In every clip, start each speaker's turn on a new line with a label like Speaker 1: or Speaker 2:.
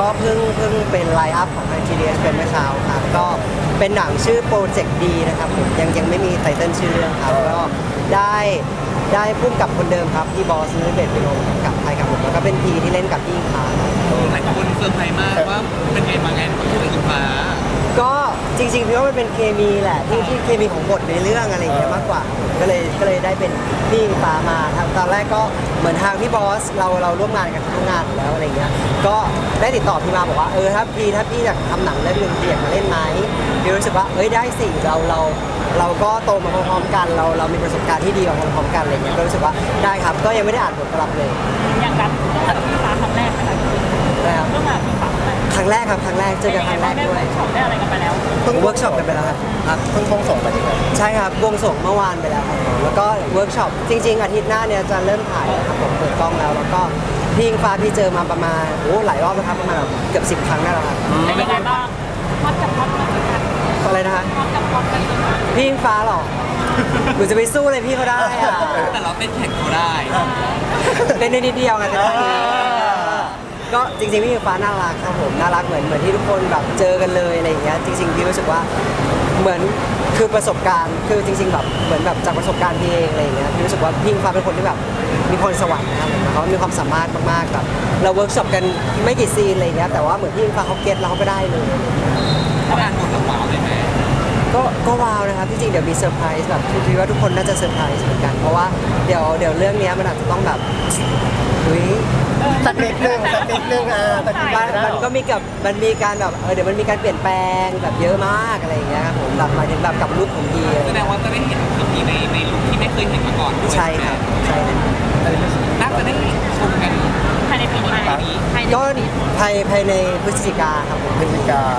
Speaker 1: ก็เพิ่งเป็นไลน์อัพของทาง GDS เป็นเมื่อเช้าครับก็เป็นหนังชื่อโปรเจกต์ดีนะครับผมยังไม่มีไตเติ้ลชื่อเรื่องครับก็ได้พุ่มกับคนเดิมครับพี่บอสนุ้ยเบศวิโรจน์กับไทยครับผมแล้วก็เป็นพีที่เล่นกับพี่อิงฟ้า
Speaker 2: หลายคนเซอร์ไพรส์มากว่าเป็นไงมาไงของพี่อิงฟ้า
Speaker 1: ก็จริงๆพี่ว่ามันเป็นเคมีแหละที่เคมีของบทในเรื่องอะไรอย่างเงี้ยมากกว่าก็เลยได้เป็นพี่อิงฟ้ามาตอนแรกก็เหมือนทางพี่บอสเราร่วมงานกันทุกงานอยู่แล้วอะไรเงี้ยก็ได้ติดต่อพี่มาบอกว่าถ้าพี่อยากทำหนังเรื่องนึงพี่อยากมาเล่นไหมพี่รู้สึกว่าได้สิเราก็โตมาพร้อมๆกันเรามีประสบการณ์ที่ดีมาพร้อมๆกันอะไรเงี้ยก็รู้สึกว่าได้ครับก็ยังไม่ได้อ่านบทรับเลย
Speaker 3: อย่างการร่วมงานกับพี่ฟ้าครั้งแรกไหมคะ
Speaker 1: นะครับ
Speaker 3: ร่วมงานกับพี่ฟ้า
Speaker 1: ครั้งแรกครับครั้งแรกเจอกันครั้งแรกด้วย
Speaker 3: ได้อะไรกันไปแล้ว
Speaker 1: เวิร์กช็อปกันไปแล้วครับ
Speaker 4: เพิ่งบวงสรวงไปดีกว่า
Speaker 1: ใช่ครับบวงสรวงเมื่อวานไปแล้วครับผมแล้วก็เวิร์กช็อปจริง ๆอาทิตย์หน้าเนี่ยจะเริ่มถ่ายแล้วครับผมเปิดกล้องแล้วก็พี่อิงฟ้าพี่เจอมาประมาณหลายรอบแล้วครับประมาณเกือบ10 ครั้งได้แล้วครับ
Speaker 3: เป็นยังไงบ้างพอดกับพอดกันกัน
Speaker 1: อะไรนะฮะ
Speaker 3: พอดกับพอดกันกัน
Speaker 1: พี่อิงฟ้าหรอหนูจะไปสู้เลยพี่เขาได้อะ
Speaker 2: แต่เราเต้นแข่งเขาได้
Speaker 1: เล่นได้นิดเดียวไงแต่ก็ก็จริงๆพี่อิงฟ้าน่ารักครับผมน่ารักเหมือนที่ทุกคนแบบเจอกันเลยอะไรอย่างเงี้ยจริงๆพี่รู้สึกว่าเหมือนคือประสบการณ์คือจริงๆแบบเหมือนแบบจากประสบการณ์พี่เองอะไรอย่างเงี้ยพี่รู้สึกว่าพี่อิงฟ้าเป็นคนที่แบบมีพรสวรรค์นะครับผมเขามีความสามารถมากๆแบบเราเวิร์กช็อปกันไม่กี่ซีนอะไรอย่างเงี้ยแต่ว่าเหมือนพี่อิงฟ้าเขาเก็ตแล้วเขาก็ได้เลย
Speaker 2: เขาอ่านบทแล้วว้าวเลยไหม
Speaker 1: ก็ว้าวนะครับที่จริงเดี๋ยวมีเซอร์ไพรส์แบบคิดว่าทุกคนน่าจะเซอร์ไพรส์เหมือนกันเพราะว่าเดี๋ยวเรื่องนี้มันอาจจะต้องแบบอุ้ย
Speaker 4: สักนิดนึงสักนิดนึงสักนิดนึงได้
Speaker 1: มันก็มีการแบบเดี๋ยวมันมีการเปลี่ยนแปลงแบบเยอะมากอะไรอย่างเงี้ยครับผมแบบหมายถึงแบบกับลุคของพี
Speaker 2: แสดงว่าจะได้เห็นพี่ในลุคที่ไม่เคยเห็นมาก่อนด้วย
Speaker 1: ใช่ครับใช่ครับ
Speaker 2: น่าจะได้ชมกัน
Speaker 3: ภายในปีนี้ไหมภายใน
Speaker 1: ก็
Speaker 3: ปีนี้
Speaker 1: ภายในพฤศจิกาครับผม
Speaker 4: พฤศจิกา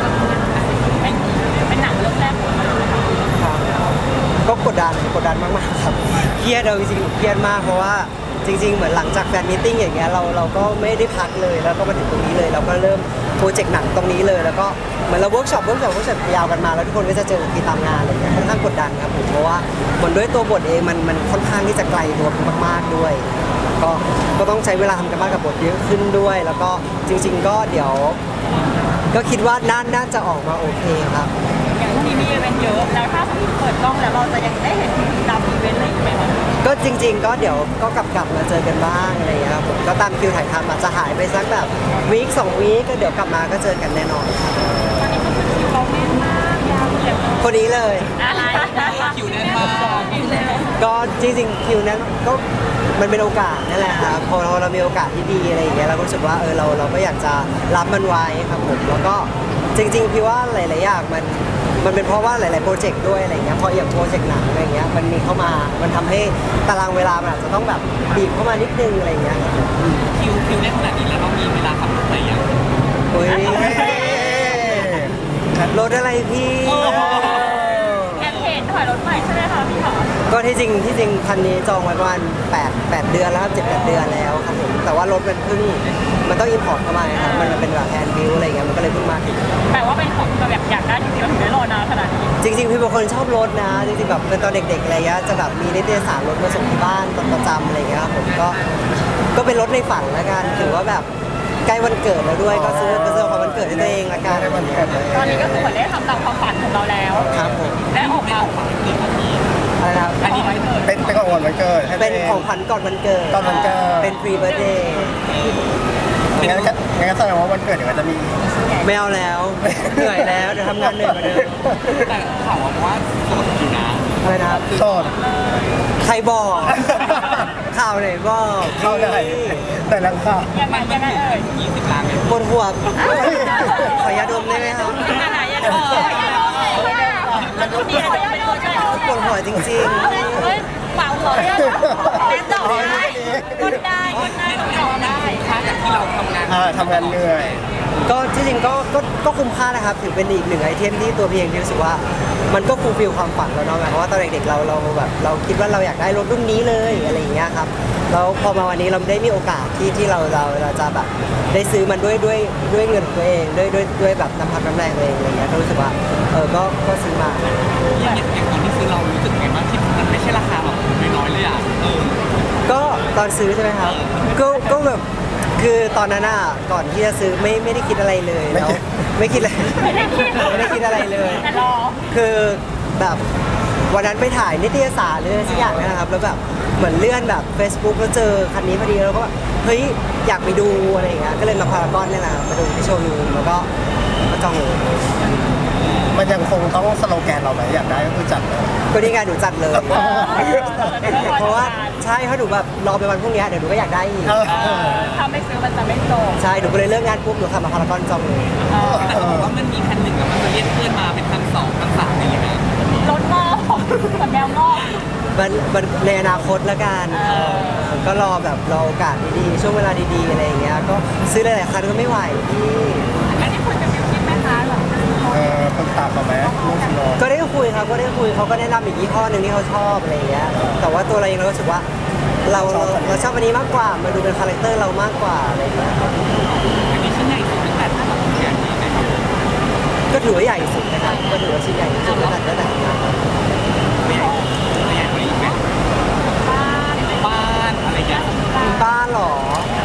Speaker 3: เป็นหนังเรื่องแรกของเราเลยค่ะ
Speaker 1: ก็กดดันมากๆครับเครียดเราจริงๆเครียดมากเพราะว่าจริงๆเหมือนหลังจากแฟนมีตติ้งอย่างเงี้ยเราก็ไม่ได้พักเลยแล้วก็มาถึงตรงนี้เลยเราก็เริ่มโปรเจกต์หนังตรงนี้เลยแล้วก็เหมือนเราเวิร์กช็อปยาวกันมาแล้วทุกคนก็จะเจอที่ตามงานอะไรเงี้ยค่อนข้างกดดันครับผมเพราะว่าเหมือนด้วยตัวบทเองมันค่อนข้างที่จะไกลตัวมากๆด้วยก็ต้องใช้เวลาทำกันบ้านกับบทเยอะขึ้นด้วย แล้วก็จริง ๆ ก็เดี๋ยวก็คิดว่าน่าจะออกมาโอเคครับ
Speaker 3: อย่างที่มีอีเวนต์เยอะแล้วถ้าสมมติเปิดกล้องแล้วเราจะยังได้เห็นตามอีเวนต์อะไรอีกไหมคะ
Speaker 1: ก็จริงๆก็เดี๋ยวก็กลับมาเจอกันบ้างอะไรอย่างเงี้ยครับผมก็ตามคิวถ่ายทำอาจจะหายไปสักแบบวีค2 วีคก็เดี๋ยวกลับมาก็เจอกันแน่นอนครับ
Speaker 3: ตอนนี้ก็คือคิวเราแน่นมากยาวเหยียด
Speaker 1: คนนี้เลย
Speaker 3: อะไร
Speaker 2: คิวแน่นมาก
Speaker 3: คิวเลย
Speaker 1: ก็จริงๆคิวนั้นก็มันเป็นโอกาสนั่นแหละครับพอเรามีโอกาสที่ดีอะไรอย่างเงี้ยเราก็รู้สึกว่าเราก็อยากจะรับมันไว้ครับผมแล้วก็จริงๆพี่ว่าหลายๆอย่างมันเป็นเพราะว่าหลายๆโปรเจกต์ด้วยอะไรเงี้ยพออย่างโปรเจกต์หนังอะไรเงี้ยมันมีเข้ามามันทำให้ตารางเวลามันอาจจะต้องแบบบีบเข้ามานิดนึงอะไรเงี้ย
Speaker 2: คิวแน่นขนาดนี้แล้วเรามีเวลาขับรถอะไรอย่าง
Speaker 1: โอ้ยรถอะไรพี่
Speaker 3: แอนเห็นถอยรถใหม่ใช่ไหมคะพี่หอ
Speaker 1: ก็ที่จริงคันนี้จองไว้ประมาณ8 เดือนแล้วครับ7-8 เดือนแล้วครับผมแต่ว่ารถมันต้องอินพอร์ตเข้ามาครับมันเป็นแบบแฮนด์บิลอะไรเงี้ยมันก็เลยเพิ่งมาถึง
Speaker 3: แปลว่าเป็นของที่แบบอยากได้จริงๆเราถึงได้รอนานขนาดนี้
Speaker 1: จริงๆพี่เป็นคนชอบรถนะจริงๆแบบเป็นตอนเด็กๆอะไรเงี้ยจะแบบมีนิตยสารรถมาส่งที่บ้านตอนประจำอะไรเงี้ยครับผมก็เป็นรถในฝันละกันถือว่าแบบใกล้วันเกิดแล้วด้วยก็ซื้อของวันเกิดให้ตัวเองละกัน
Speaker 4: ได้วันเกิดเลย
Speaker 3: ตอนนี้ก็คือเหมือนได้ทำตามความฝันของเราแล้ว
Speaker 1: ครับผม
Speaker 3: และออกมา
Speaker 1: อะไรนะครับ
Speaker 2: อันนี้ไม่เกิด
Speaker 4: เป็นของวันเกิดให้
Speaker 1: เป็นของขวัญก่อนวันเกิด
Speaker 4: ก่อนวันเกิด
Speaker 1: เป็นพรีเบิร์ดเดย์
Speaker 4: งั้นแสดงว่าวันเกิดเดี๋ยวมันจะมี
Speaker 1: ไม่เอาแล้วเหนื่อยแล้วเดี๋ยวทำงานเหนื่อยกว่าเดิม
Speaker 2: แต่ข่าวว่าโสดอยู่นะ
Speaker 1: อะไรนะครับ
Speaker 4: โสด
Speaker 1: ใครบอก ข่าวไหนบอก
Speaker 4: เข้าได้แต่ลังค่ะ
Speaker 3: ยังไงยังไงเอ่ย
Speaker 2: 20 ล้านเลย
Speaker 1: ปวดหัวขอยาดมได้ไหมครับ
Speaker 3: อะไรยังไงมันต้องมีอะไรเป็นตัวช่วย
Speaker 1: ปวดหัวจริง
Speaker 3: เฮ้ยเปล่าหัวเนี่ยแม่ตอบได้กดได้ตอบได้
Speaker 2: ค่าจากที่เราทำงาน
Speaker 4: ทำงานเหนื่อย
Speaker 1: ๆ ก็ที่จริงก็คุ้มค่านะครับถือเป็นอีกหนึ่งไอเทมที่ตัวเพียงที่รู้สึกว่ามันก็ฟูลฟิลความฝันเราเนาะเพราะว่าตอนเด็กๆเราแบบเราคิดว่าเราอยากได้รถรุ่นนี้เลยอะไรอย่างเงี้ยครับแล้วพอมาวันนี้เราได้มีโอกาสที่เราจะแบบได้ซื้อมันด้วยเงินของตัวเองด้วยแบบน้ำพักน้ำแรงตัวเองอะไรเงี้ยก็รู้สึกว่าก็ซื้อมา
Speaker 2: อย่างตอนที่ซื้อเรารู้สึกไงบ้างที่มันไม่ใช่ราคาแบบน้อยๆเลยอ่ะ
Speaker 1: ก็ตอนซื้อใช่ไหมครับก็แบบคือตอนนั้นอ่ะก่อนที่จะซื้อไม่ได้คิดอะไรเลยแล้วไม่คิดอะไร
Speaker 3: ไม่ได้คิด
Speaker 1: ไม่ได้คิดอะไรเลย
Speaker 3: แต่รอ
Speaker 1: คือแบบวันนั้นไปถ่ายนิตยสารหรืออะไรสักอย่างเนะครับแล้วแบบเหมือนเลื่อนแบบ Facebook แล้วเจอคันนี้พอดีแล้วก็แบบเฮ้ยอยากไปดูอะไรอย่างเงี้ยก็เลยมาพารากอนนี่แหละมาดูที่โชว์รูมแล้วก็จองเลย
Speaker 4: มันยังคงต้องสโลแกนเราไหมอยากได้ก็คือจัดเลย
Speaker 1: ก็นี่ไงหนูจัดเลย เพราะว่าใช่เพราะหนูแบบรอไปวันพรุ่งนี้เดี๋ยวหนูก็อยากได้อีก
Speaker 3: ถ้าไม่ซื้อมันจะไม่จบ
Speaker 1: ใช่หนูก็เลยเลิกงานปุ๊บหนูขับมาพารากอนจองเลย
Speaker 2: แต่เขาบอกว่ามันมีคันหนึ่งอะมันจะเรียกเพื่อนมาเป็นคันสองคันสามอะไรอย่างเงี้ย
Speaker 3: รถงอกเหมือนแมวงอก
Speaker 1: มันในอนาคตแล้วกันก็รอแบบรอโอกาสดีๆช่วงเวลาดีๆอะไรอย่างเงี้ยก็ซื้อหลายๆคันก็ไม่ไหวพี่
Speaker 3: อันนี้คุณจะมีคิดไหมคะแบบ
Speaker 4: ปรึกษาเขาไหมลูกสิโน
Speaker 1: ก็ได้คุยครับก็ได้คุยเขาก็แนะนำอีกยี่ห้อหนึ่งที่เขาชอบอะไรอย่างเงี้ยแต่ว่าตัวเราเองเรารู้สึกว่าเราชอบอันนี้มากกว่ามันดูเป็นคาแรคเตอร์เรามากกว่าอะไรอย่างเงี้ยครับ
Speaker 2: อันนี้ชิ้นใหญ่สุดตั้งแต่ถ้าเราแขนนี้นะครับ
Speaker 1: ก็ถือว่าใหญ่สุดนะครับก็ถือว่าชิ้นใหญ่สุดระดับนะครับ
Speaker 2: ตัวใหญ่ตัวใหญ่กว่านี้อีกไหมบ้านอะไรอย่างเงี้ย
Speaker 1: บ้านเหรอ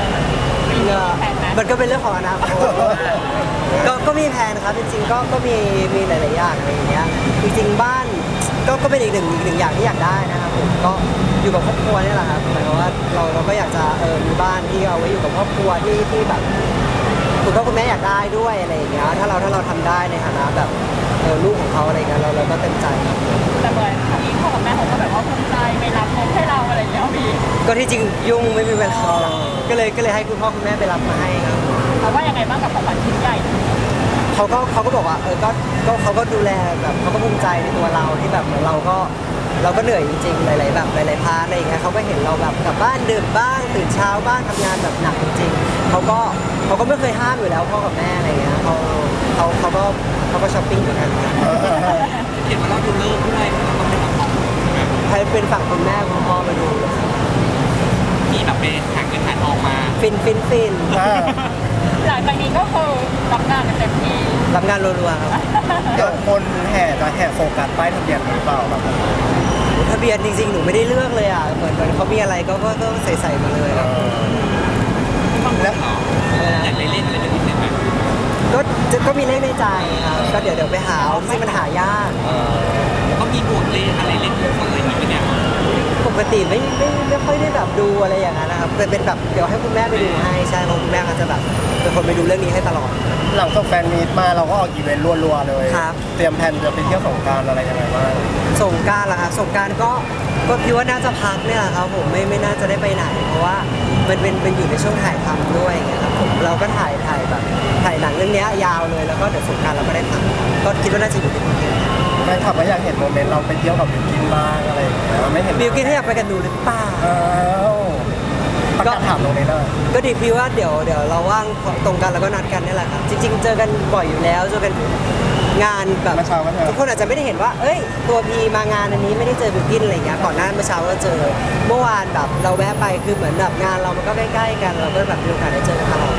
Speaker 1: มันก็เป็นเรื่องของอนาคตก็มีแผนครับจริงๆก็มีหลายๆอย่างอะไรอย่างเงี้ยจริงๆบ้านก็เป็นอีกหนึ่งอย่างที่อยากได้นะครับผมก็อยู่กับครอบครัวนี่แหละครับหมายความว่าเราก็อยากจะมีบ้านที่เอาไว้อยู่กับครอบครัวที่แบบคุณพ่อคุณแม่อยากได้ด้วยอะไรอย่างเงี้ยถ้าเราทำได้ในฐานะแบบลูกของเขาอะไรเงี้ยเราก็เต็มใจครับ
Speaker 3: แต่เหมือนทางนี้พ่อกับแม่เขาก็แบบว่าภูมิใจไม่รับงบให้เราอะไรอย่างเงี้ยพี่
Speaker 1: ก็ที่จริงยุ่งไม่มีเวลาก็เลยให้คุณพ่อคุณแม่ไปรับมาให้ครับ
Speaker 3: เขาว่ายังไงบ้างกับของขวัญชิ้นใหญ่
Speaker 1: เขาก็บอกว่าก็เขาก็ดูแลแบบเขาก็ภูมิใจในตัวเราที่แบบเหมือนเราก็เหนื่อยจริงๆหลายๆแบบหลายๆพาร์ทอะไรอย่างเงี้ยเขาก็เห็นเราแบบกลับบ้านดึกบ้างตื่นเช้าบ้างทำงานแบบหนักจริงๆเขาก็ไม่เคยห้ามอยู่แล้วพ่อกับแม่อะไรเงี้ยเขาก็ช้อปปิ้งเหมือนกัน
Speaker 2: เห็นว่าเราดูเลิกด้วยเราต้องไปทำของ
Speaker 1: ให้เป็นฝั่งคุณแม่คุณพ่อมาดู
Speaker 2: มีแบบไปหาเงินหาทองมา
Speaker 1: ฟิน
Speaker 3: หลังจากนี้ก็คือรับงานกันเต็มที่
Speaker 1: รับงานรัวๆครับ
Speaker 4: เดี๋ยวคนจะแห่โฟกัสป้ายทะเบียนหรือเปล่าแบบ
Speaker 1: ทะเบียนจริงๆหนูไม่ได้เลือกเลยอ่ะเหมือนเขามีอะไรก็ใส่มาเลยครับ
Speaker 2: แล้วอยากเล่นอะไรเป็นพิเศษไหม
Speaker 1: ก็มีเลขในใจครับก็เดี๋ยวไปหาเอาที่มันหายาก
Speaker 2: ก็มีบวกเลขอะไรเล่นทุกคนอะไรอย่างเงี้ย
Speaker 1: ปกติไม่ค่อยได้แบบดูอะไรอย่างนั้นนะครับเป็นแบบเดี๋ยวให้คุณแม่ไปดูให้ใช่เพราะคุณแม่ก็จะแบบเป็นคนไปดูเรื่องนี้ให้ตลอด
Speaker 4: หลังจากแฟนมีตมาเราก็ออกอีเวนต์รัวๆเลย
Speaker 1: ครับ
Speaker 4: เตรียมแผนจะไปเที่ยวสงกรานต์อะไรยังไงบ้าง
Speaker 1: สงกรานต์เหรอครับสงกรานต์ก็คิดว่าน่าจะพักเนี่ยแหละครับผมไม่น่าจะได้ไปไหน เพราะว่ามันเป็นอยู่ในช่วงถ่ายทำด้วยอย่างเงี้ยครับผมเราก็ถ่ายแบบถ่ายหนังเรื่องเนี้ยยาวเลยแล้วก็เดี๋ยวสงกรานต์เราก็ได้พักก็คิดว่าน่าจะอยู่ในกรุงเทพ
Speaker 4: แฟนคลับก็อยากเห็นโมเมนต์เราไปเที่ยวกับบิวกินบ้างอะไรอย่างเงี้ยไม่เห็น
Speaker 1: บิวกินให้อยากไปกันหนูหรือเปล่า
Speaker 4: อ้าวประกาศถามตรงนี้เลย
Speaker 1: ก็ดีพี่ว่าเดี๋ยวเราว่างตรงกันแล้วก็นัดกันนี่แหละครับจริง ๆ เจอกันบ่อยอยู่แล้วเจอกันงานแบบ
Speaker 4: เมื่อเช้าก็เจอ
Speaker 1: ทุกคนอาจจะไม่ได้เห็นว่าเอ้ยตัวพีมางานอันนี้ไม่ได้เจอบิวกินอะไรอย่างเงี้ยก่อนหน้าเมื่อเช้าก็เจอเมื่อวานแบบเราแวะไปคือเหมือนแบบงานเรามันก็ใกล้ๆกันเราก็แบบมีโอกาสได้เจอกันตลอด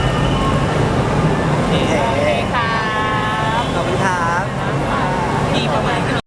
Speaker 3: ค่ะ
Speaker 1: ขอบคุณครับ
Speaker 2: มีประมาณ